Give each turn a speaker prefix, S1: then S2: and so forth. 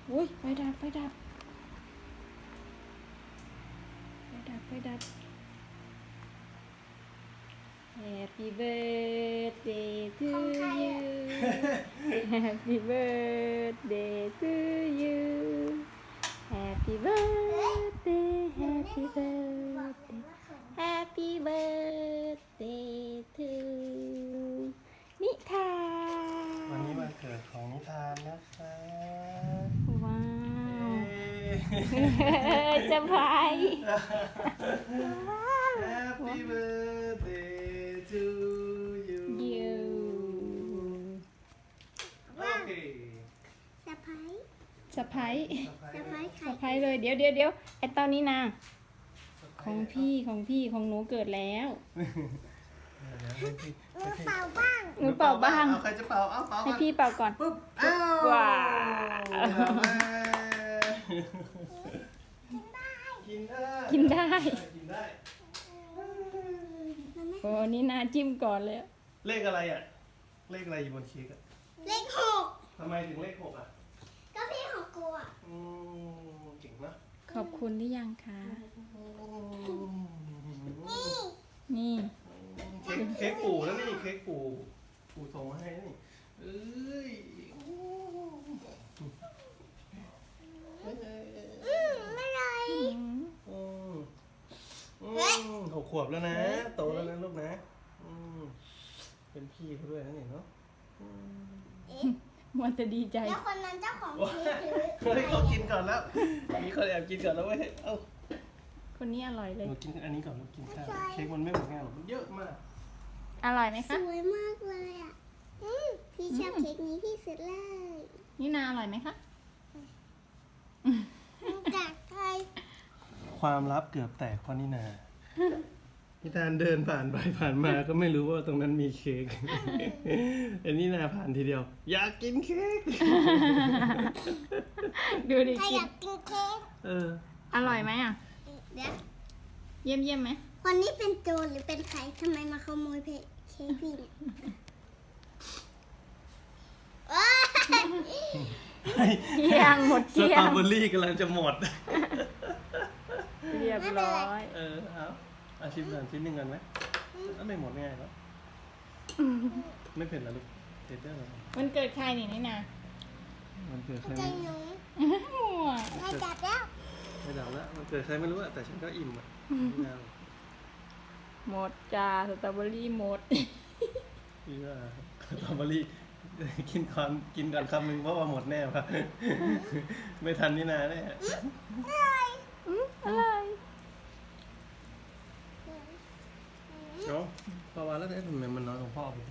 S1: อุ้ยไฟดับไฟดับไฟดับไฟดับ Happy birthday to you Happy birthday to you Happy birthday Happy birthday Happy birthday to นิทาน
S2: วันนี้วันเกิดของนิทานนะคะ
S1: ว้า
S2: เย้
S1: วจะไป
S2: Happy birthday to you
S1: ยู
S2: โอเค
S3: สะพาย
S1: สะพาย
S3: สะพายไข่
S1: สะพายเลยเดี๋ยวไอตอนนี้นะของพี่ของหนูเกิดแล้ว
S3: หนูเป่าบ้าง
S1: หนูเป่าบ้าง
S2: เอาใครจะเป่าเอาเป่า
S1: ให้
S2: ก่อน
S1: พี่เป่าก่อน
S2: ปุ๊บอ้าว
S1: ว้าว
S2: กินได้
S1: กินได้
S2: กินได้
S1: โอ้นี่นาจิ้มก่อนเลย
S2: เลขอะไรอ่ะ เลขอะไรอยู่บนเค้กอ่ะ
S3: เลขหก
S2: ทำไมถึงเลข6อ่ะ
S3: ก็พี่ของกูอ่ะ
S2: เก่งนะ
S1: ขอบคุณหรือยังคะ
S3: นี่
S1: นี่
S2: เค้กปู่แล้วนี่เค้กปู่ส่งมาให้นี่เอ้ย
S3: ไม่เลย
S1: อืม
S2: 6 ขวบแล้วนะ โตแล้วนะลูกนะเป็นพี่เขาด้วยนะเนี่ยเนาะ
S3: เอ๊ะ
S1: มันจะดีใจ
S3: แล้วคนนั้นเจ้าของ
S2: ว้า
S3: เค้กหรือ
S2: เฮ้ยเขากินก่อนแล้ว มีคนแอบกินก่อนแล้วเว้ยเอ้า
S1: คนนี้อร่อยเลย
S2: หนูกินอันนี้ก่อนลูกกินข้าวเค้กมันไม่หมดง่ายหรอกมันเยอะมาก
S1: อร่อยไหม
S3: ส
S1: คะ
S3: วยมากเลยอ่ะพี่ชอบเค้กนี้ที่สุดเลย
S1: นี่นาอร่อยไหมคะ
S3: จากใคร
S2: ความลับเกือบแตกเพราะนี่นานิทานเดินผ่านไปผ่านมาก็ไม่รู้ว่าตรงนั้นมีเค้กอันนี้นาผ่านทีเดียว อยากกินเค้ก
S1: ดูดิ
S3: ใคร
S1: กิ
S3: อน ยากกินเค้ก
S2: เออ
S1: อร่อยไหมอ่ะ
S3: เดี๋ยว
S1: เยี่ยมไหม
S3: คนนี้เป็นโจรหรือเป็นใครทำไมมาขโมยเค้กพี่เนี่ยโอ๊ย
S1: เที่ยงหมด
S2: ส
S1: เที่ย
S2: ตรอง เบอรี่กำลังจะหมด
S1: เรียบร้อย
S2: เออเอาชิมก่อนชิ้นหนึ่งก่อนไหมไม่หมดง่ายแล้วไม่เผ็ดเหรอลูกเผ็ดได้เหรอ
S1: มันเกิดใครนี่นา
S2: มันเกิดใคร
S3: ใจ
S2: ไม่
S3: หนู
S1: มั่ว
S3: ไม่จับแล้ว
S2: ไม่ดับแล้วมันเกิดใครไม่รู้อะแต่ฉันก็อิ่มอะไม่เอา
S1: หมดจ้าสตรอเบอรี่หมด
S2: พี่ว่าสตรอเบอรี่กินก่อนคำหนึ่งเพราะว่าหมดแน่ป่ะไม่ทันนี่นาแน่
S1: อะไร
S2: เนาะพอวันแล้วเนี่ยทำไมมันน้อยของพ่อพี่